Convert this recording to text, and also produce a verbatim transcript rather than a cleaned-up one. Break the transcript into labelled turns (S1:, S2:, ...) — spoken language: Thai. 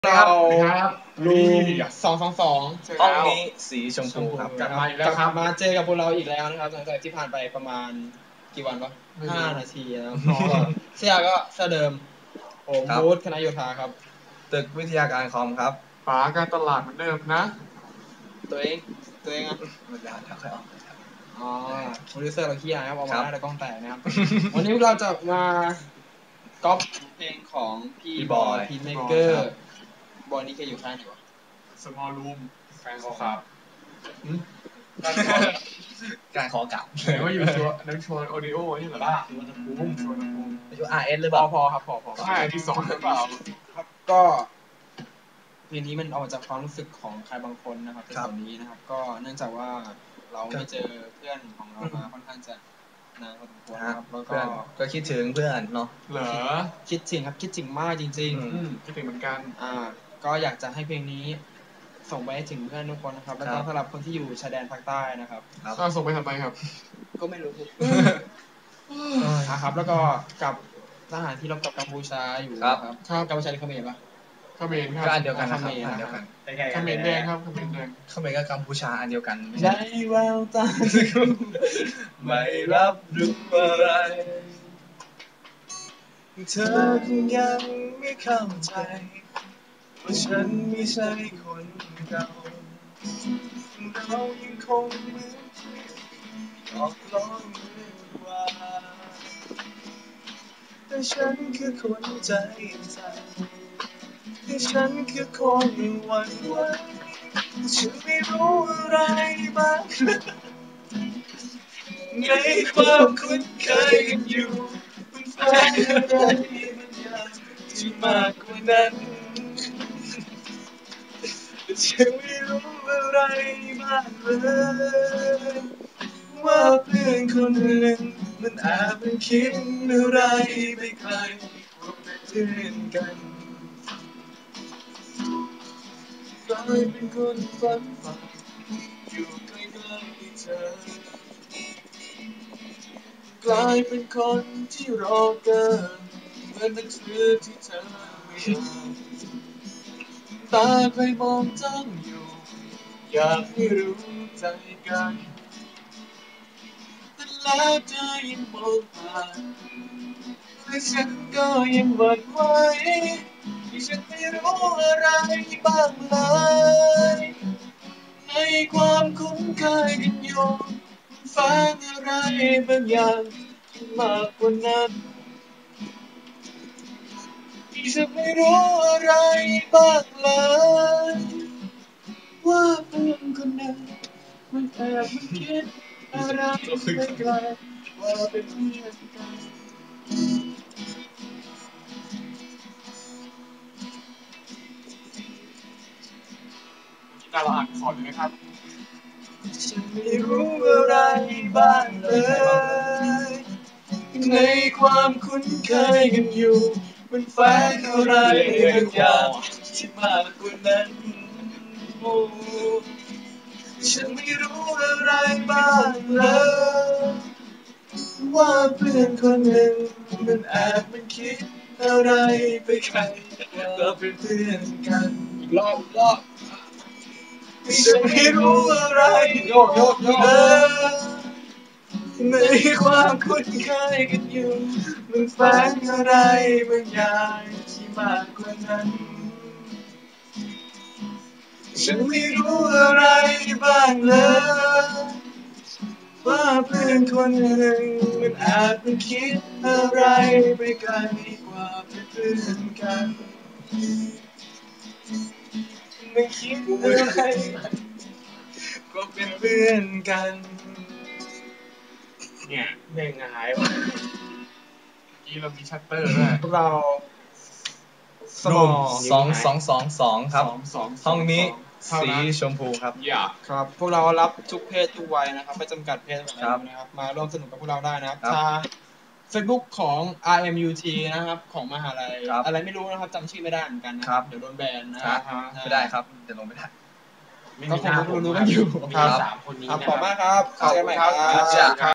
S1: เรา
S2: ครับ
S1: รูมสองสองสอง
S3: ห้องนี้สีชมพูครับ
S1: กลับมาอีกแล้วครับมาเจอกับพวกเราอีกแล้วนะครับหลังจากที่ผ่านไปประมาณกี่วันวะห้านาทีนะครับเสียก็เสื้อเดิมผมบูธคณะโยธาครับ
S3: ตึกวิทยาการคอมครับ
S2: ป๋าการตลาดเหมือนเดิมนะ
S1: ตัวเองตัวเองอ่ะ
S3: เวลาเดี๋ยวค่อยออก
S1: อ๋อโปรดิวเซอร์เราขี้อายครับเอามาได้แต่กล้องแตกนะครับวันนี้เราจะมาก๊อปเพลงของพี่บอยพีเมเกอร์บอยนี่แกอยู่ค่ายไหนวะ
S2: small room แฟนเขาครับ
S3: การขอกลับ
S2: ไหนว่าอยู่ชัวร์นักชวนโอดิโอนี่เหรอบ้าชวนตะปูชวนตะปู
S3: อยู่ อาร์ เอส หรือ
S1: เป
S3: เป
S1: ล่า
S3: ล่า
S1: พอครับพอพอ
S2: ใช่ที่สองหรือเปล่า
S1: ครับก็เพลงนี้มันออกจากความรู้สึกของใครบางคนนะครับในส่วนนี้นะครับก็เนื่องจากว่าเราไม่เจอเพื่อนของเรามาค่อนข้างจะนานพอสมควรครับแล้วก็
S3: ก็คิดถึงเพื่อนเนาะ
S2: เหรอ
S1: คิดถึงครับคิดถึงมากจริง
S2: ๆคิดถึงเหมือนกัน
S1: อ่าก็อยากจะให้เพลงนี้ส่งไปให้ถึงเพื่อนทุกคนนะครับแล้วก็สำหรับคนที่อยู่ชายแดนภาคใต้นะครับ
S2: ก็ส่งไปทำไมครับ
S1: ก็ไม่รู้ครับแล้วก็กับทหารที่รบกับกัมพูชาอยู่ครับกัมพูชาหรือเขมรปะ
S2: เขมรครับ
S3: ก็อันเดียวกันนะครับอันเดียวกัน
S2: เขมรแดงครับเขมรแดง
S3: เขมรกับกัมพูชาอันเดียวกัน
S1: ใจแววตา
S3: ไม่รับรู้อะไรเธอคงยังไม่เข้าใจว่าฉันไม่ใช่คนเก่าเรายังคงเหมือนออกล้องเมื่อวานแต่ฉันคือคนใจสั่นแต่ฉันคือคนหวั่นไหวฉันไม่รู้อะไรบ้างในความคุ้นเคยกันอยู่มันแฝงอะไรบางอย่างที่มากกว่านั้นฉันไม่รู้อะไรบ้างเลยว่าเพื่อนคนหนึ่งมันอาจเป็นคิดอะไรไปไกลว่าเป็นเพื่อนกันกลายเป็นคนฝันใฝ่อยู่ใกล้ๆเธอกลายเป็นคนที่รอเกินเหมือนหนังสือที่เธอไม่อ่านตาใครมองจ้องอยู่อยากให้รู้ใจกันแต่แล้วเธอยังมองผ่านและฉันก็ยังหวั่นไหวที่ฉันไม่รู้อะไรบ้างเลยในความคุ้นเคยกันอยู่ฝันอะไรบางอย่างที่มากกว่านั้นที่ฉันไม่รู้อะไรบ้างเลยว่าเพื่อนคนนั้นมันแอบมันคิดอะไรไม่ไกลว่าเป็นเพื่อนกัน
S2: กีตาร์เราอ่านคอร์ดเลยนะครับ
S3: ฉันไม่รู้อะไรบ้างเลยในความคุ้นเคยกันอยู่มันแฝงอะไรบางอย่างที่มากกว่านั้นโอ้ฉันไม่รู้อะไรบ้างเลยว่าเพื่อนคนหนึ่งมันแอบมันคิดอะไรไปไกลก็เป็นเพื่อนกัน
S1: อีกรอบอีกรอบ
S3: ฉันไม่รู้อะไรโยกโยกโยกในความคุ้นเคยกันอยู่มันแฝงอะไรบางอย่างที่มากกว่านั้นฉันไม่รู้อะไรบ้างเลยว่าเพื่อนคนหนึ่งมันอาจมันคิดอะไรไปไกลกว่าเป็นเพื่อนกันมันคิดอะไรก็เป็นเพื่อนกัน
S2: เนี่ยเพลงหายว่ะนี่เรามีชัตเตอร์ด้วย
S1: พวกเรา
S3: สมองสองสองสองสองครับห้องนี้สีชมพูครับ
S2: อยาก
S1: ครับพวกเรารับทุกเพศทุกวัยนะครับไม่จำกัดเพศอะไรนะครับมาร่วมสนุกกับพวกเราได้นะครับทาง Facebook ของ อาร์ เอ็ม ยู ที นะครับของมหาลัยอะไรไม่รู้นะครับจำชื่อไม่ได้เหมือนกันนะครับเดี๋ยวโดนแบนนะครับ
S3: ไม่ได้ครับเดี๋ยวลงไม่ได้
S1: ก็คงรู้ๆกันอยู่
S2: สามคนนี้
S1: ครับขอบคุณมากครับเจอกันใหม่ครับ